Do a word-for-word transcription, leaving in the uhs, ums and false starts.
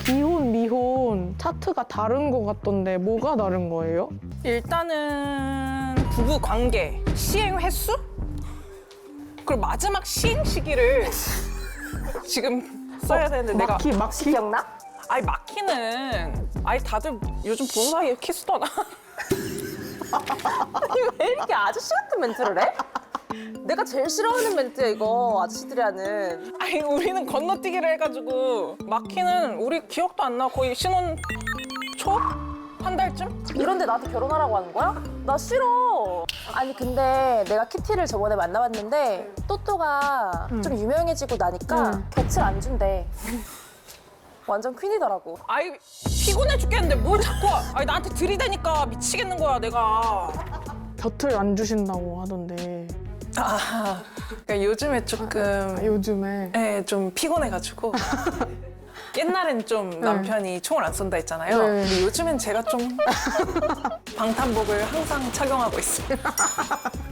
이혼, 미혼 차트가 다른 것 같던데 뭐가 다른 거예요? 일단은 부부 관계, 시행 횟수? 그리고 마지막 시행 시기를 지금 써야 되는데 내가 막히, 막히? 기억나? 아니 마키는 아니 다들 요즘 보는 사이에 키스더나. 아니 왜 이렇게 아저씨 같은 멘트를 해? 내가 제일 싫어하는 멘트야 이거 아저씨들이 하는. 아니 우리는 건너뛰기를 해가지고 마키는 우리 기억도 안 나. 거의 신혼 초? 한 달쯤? 이런데 나한테 결혼하라고 하는 거야? 나 싫어. 아니 근데 내가 키티를 저번에 만나봤는데 또또가 좀 유명해지고 나니까 응. 곁을 안 준대. 완전 퀸이더라고. 아이 피곤해 죽겠는데 뭘 자꾸 아니 나한테 들이대니까 미치겠는 거야 내가. 곁을 안 주신다고 하던데. 아 그러니까 요즘에 조금 아, 요즘에. 네, 좀 피곤해가지고 옛날엔 좀 남편이 총을 안 쏜다 했잖아요. 네. 근데 요즘엔 제가 좀 방탄복을 항상 착용하고 있어요.